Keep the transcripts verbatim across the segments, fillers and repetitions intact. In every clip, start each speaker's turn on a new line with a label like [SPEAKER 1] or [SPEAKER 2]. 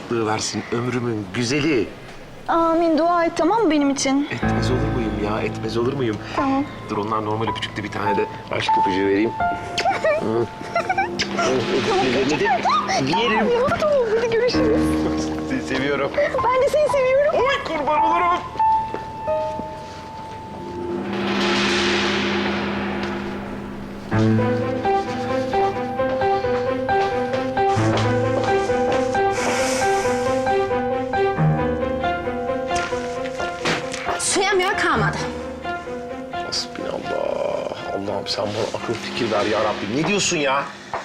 [SPEAKER 1] rahatlığı versin ömrümün güzeli.
[SPEAKER 2] Amin, dua et tamam mı benim için?
[SPEAKER 1] Etmez olur muyum ya? Etmez olur muyum?
[SPEAKER 2] Tamam.
[SPEAKER 1] Dur onlar normal öpücükte bir tane de aşk öpücüğü vereyim. Öpücüklerini de yerim.
[SPEAKER 2] Ya tamam, hadi görüşürüz.
[SPEAKER 1] Seni seviyorum.
[SPEAKER 2] Ben de seni seviyorum.
[SPEAKER 1] Oy kurban olurum.
[SPEAKER 3] Suyamıyor kalmadı.
[SPEAKER 1] Hasbinallah. Allah'ım sen bana akıl fikir ver ya Rabbim. Ne diyorsun ya?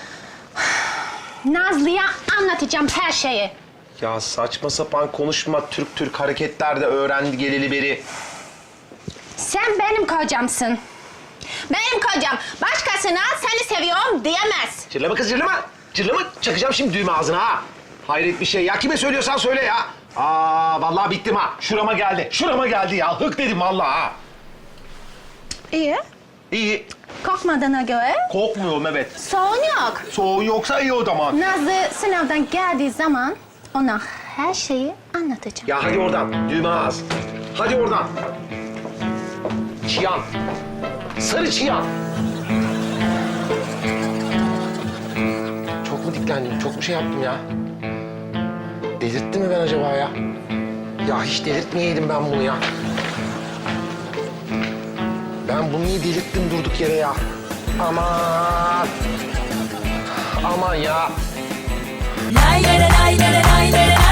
[SPEAKER 3] Nazlı'ya anlatacağım her şeyi.
[SPEAKER 1] Ya saçma sapan konuşma. Türk Türk hareketler de öğrendi geleli beri.
[SPEAKER 3] Sen benim kocamsın. Benim kocam. Başkasına seni seviyorum diyemez.
[SPEAKER 1] Cırlama kız cırlama. Cırlama çakacağım şimdi düğme ağzına ha. Hayret bir şey ya. Kime söylüyorsan söyle ya. Aa vallahi bittim ha. Şurama geldi. Şurama geldi ya. Hık dedim vallahi ha.
[SPEAKER 3] İyi.
[SPEAKER 1] İyi.
[SPEAKER 3] Korkmadığına göre
[SPEAKER 1] Korkmuyorum evet.
[SPEAKER 3] sorun yok.
[SPEAKER 1] Soğuğu yoksa iyi o zaman.
[SPEAKER 3] Nazlı sınavdan geldiği zaman ona her şeyi anlatacağım.
[SPEAKER 1] Ya hadi oradan. Düğme ağız. Hadi oradan. Çiyan. Sarı çiyan. Çok mu diklendim? Çok mu şey yaptım ya? Delirtti mi ben acaba ya? Ya hiç delirtmeyeydim ben bunu ya. Ben bunu niye delirttim durduk yere ya? Aman. Aman ya.
[SPEAKER 4] Lay lay lay lay lay lay lay.